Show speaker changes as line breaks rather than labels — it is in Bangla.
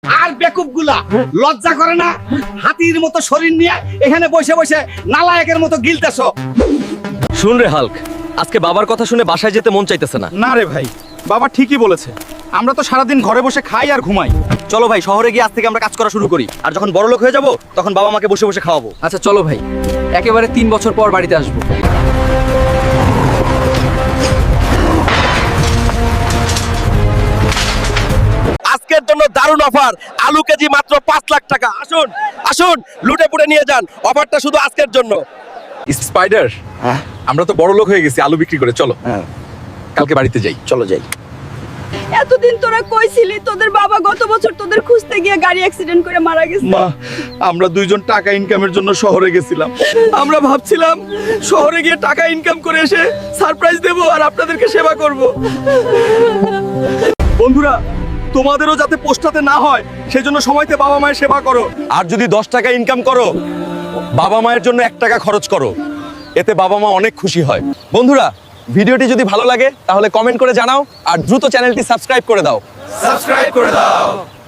আর বেকুবগুলা লজ্জা করে না? হাতির মতো শরীর নিয়ে এখানে বসে বসে নালায়েকের মতো গিলতেছো।
শুন রে হাল্ক, আজকে বাবার কথা শুনে বাসায় যেতে মন চাইতেছে না।
না রে ভাই, বাবা ঠিকই বলেছে। আমরা তো সারাদিন ঘরে বসে খাই আর ঘুমাই।
চলো ভাই, শহরে গিয়ে আজ থেকে আমরা কাজ করা শুরু করি, আর যখন বড় লোক হয়ে যাব তখন বাবা মাকে বসে বসে খাওয়াবো।
আচ্ছা চলো ভাই, একেবারে 3 বছর পর বাড়িতে আসবো।
আজকের জন্য দারুণ অফার, আলু কেজি মাত্র 5 লাখ টাকা। আসুন আসুন, লুটে পুটে নিয়ে যান, অফারটা শুধু আজকের জন্য।
স্পাইডার, আমরা তো বড় লোক হয়ে গেছি আলু বিক্রি করে। চলো কালকে বাড়িতে যাই।
চলো যাই।
এতদিন তোরা কইছিলি তোদের বাবা গত বছর তোদের খুঁজতে গিয়ে গাড়ি অ্যাক্সিডেন্ট করে মারা গেছে।
মা, আমরা দুইজন টাকা ইনকামের জন্য শহরে গেছিলাম। আমরা ভাবছিলাম শহরে গিয়ে টাকা ইনকাম করে এসে সারপ্রাইজ দেব আর আপনাদেরকে সেবা করব। বন্ধুরা, তোমাদেরও যাতে পোস্টাতে না হয় সেজন্য সময়তে বাবা মায়ের সেবা করো।
আর যদি 10 টাকা ইনকাম করো, বাবা মায়ের জন্য 1 টাকা খরচ করো, এতে বাবা মা অনেক খুশি হয়। বন্ধুরা, ভিডিওটি যদি ভালো লাগে তাহলে কমেন্ট করে জানাও, আর দ্রুত চ্যানেলটি সাবস্ক্রাইব করে দাও।
সাবস্ক্রাইব করে দাও।